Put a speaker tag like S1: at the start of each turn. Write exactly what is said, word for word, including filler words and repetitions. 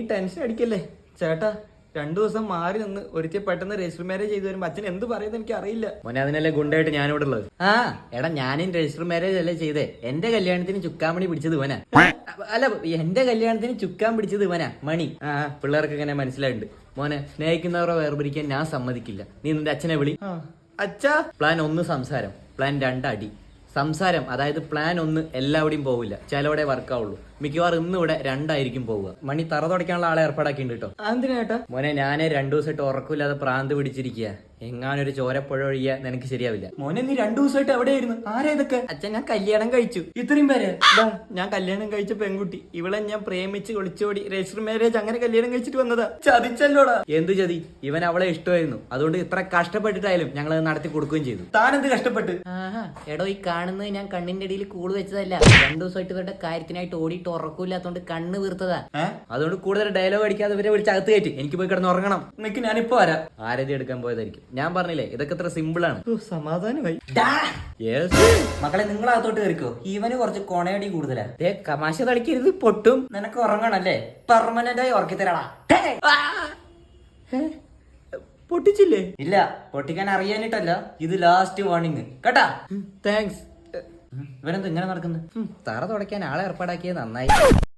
S1: Tension അടിക്കല്ലേ ചേട്ടാ. രണ്ടു ദിവസം മാറി നിന്ന് ഒരിക്കൽ പെട്ടെന്ന് രജിസ്റ്റർ മാരേജ് ചെയ്തു വരുമ്പോ അച്ഛൻ എന്ത് പറയുന്നത് എനിക്ക് അറിയില്ല. മോനെ അതിനല്ലേ ഗുണ്ടായിട്ട് ഞാനിവിടെ ഉള്ളത്. ആ എടാ ഞാനും രജിസ്റ്റർ മാരേജ് അല്ലേ ചെയ്തേ. എന്റെ കല്യാണത്തിന് ചുക്കാമണി പിടിച്ചത് ഇവനാ. അല്ല എന്റെ കല്യാണത്തിന് ചുക്കാൻ പിടിച്ചത് ഇവനാ മണി. ആ പിള്ളേർക്ക് ഇങ്ങനെ മനസ്സിലായിട്ടുണ്ട്. മോനെ സ്നേഹിക്കുന്നവരെ വേർപിരിക്കാൻ ഞാൻ സമ്മതിക്കില്ല. നീ നിന്റെ അച്ഛനെ വിളി. അച്ഛാ. പ്ലാൻ ഒന്ന് സംസാരം, പ്ലാൻ രണ്ട് അടി. സംസാരം അതായത് പ്ലാൻ ഒന്ന് എല്ലാവിടെയും പോവില്ല, ചിലവിടെ വർക്കാവുള്ളൂ. മിക്കവാറും ഇന്ന് ഇവിടെ രണ്ടായിരിക്കും പോവുക. മണി തറ തുടയ്ക്കാനുള്ള ആളെ ഏർപ്പാടാക്കിണ്ട് കേട്ടോ. എന്തിനാ മോനെ ഞാനേ രണ്ടു ദിവസമായിട്ട് ഉറക്കില്ലാതെ പ്രാന്ത് പിടിച്ചിരിക്കുക. എങ്ങാനൊരു ചോരപ്പുഴ ഒഴിയാ നിനക്ക് ശരിയാവില്ല. മോനെ നീ രണ്ടു ദിവസമായിട്ട് എവിടെയായിരുന്നു? ആരാ ഇതൊക്കെ? അച്ഛൻ ഞാൻ കല്യാണം കഴിച്ചു. ഇത്രയും പേര് ഞാൻ കല്യാണം കഴിച്ച പെൺകുട്ടി. ഇവളെ ഞാൻ പ്രേമിച്ച് ഒളിച്ചോടി രജിസ്റ്റർ മാരേജ് അങ്ങനെ കല്യാണം കഴിച്ചിട്ട് വന്നതാ. ചതിച്ചല്ലോടാ. എന്ത് ചതി? ഇവൻ അവളെ ഇഷ്ടമായിരുന്നു, അതുകൊണ്ട് ഇത്ര കഷ്ടപ്പെട്ടിട്ടായാലും ഞങ്ങൾ അത് നടത്തി കൊടുക്കുകയും ചെയ്തു. താനെന്ത് കഷ്ടപ്പെട്ട്? ആഹാ എടോ ഈ കാണുന്നത് ഞാൻ കണ്ണിന്റെ ഇടയിൽ കൂട് വെച്ചതല്ല. രണ്ടു ദിവസമായിട്ട് ഇവരുടെ കാര്യത്തിനായിട്ട് ഓടിയിട്ട് ഉറക്കൂല്ലാത്തോണ്ട് കണ്ണ് വീർത്തതാ. അതുകൊണ്ട് കൂടുതൽ ഡയലോഗ് അടിക്കാതെ ഇവരെ വിളിച്ച് അകത്ത് കയറ്റി എനിക്ക് പോയി കിടന്ന് ഉറങ്ങണം. നിനക്ക് ഞാനിപ്പോ വരാം. ആരതി എടുക്കാൻ പോയതായിരിക്കും. ഞാൻ പറഞ്ഞില്ലേ ഇതൊക്കെ ഇത്ര സിമ്പിൾ ആണ്. സമാധാനമായി. മക്കളെ നിങ്ങൾ അകത്തോട്ട് കയറിക്കോ. ഇവന് കുറച്ച് കൊണയടി കൂടുതലാ. തമാശ തളിക്കരുത്, പൊട്ടും. നിനക്ക് ഉറങ്ങണല്ലേ? പെർമനന്റ് ആയി ഉറക്കി തരാടാ. പൊട്ടിച്ചില്ലേ? ഇല്ല, പൊട്ടിക്കാൻ അറിയാനിട്ടല്ല. ഇത് ലാസ്റ്റ് വാർണിംഗ് കേട്ടാ. താങ്ക്സ്. ഇവനെന്ത് ഇങ്ങനെ നടക്കുന്നത്? തറ തുടയ്ക്കാൻ ആളെ ഏർപ്പാടാക്കിയത് നന്നായി.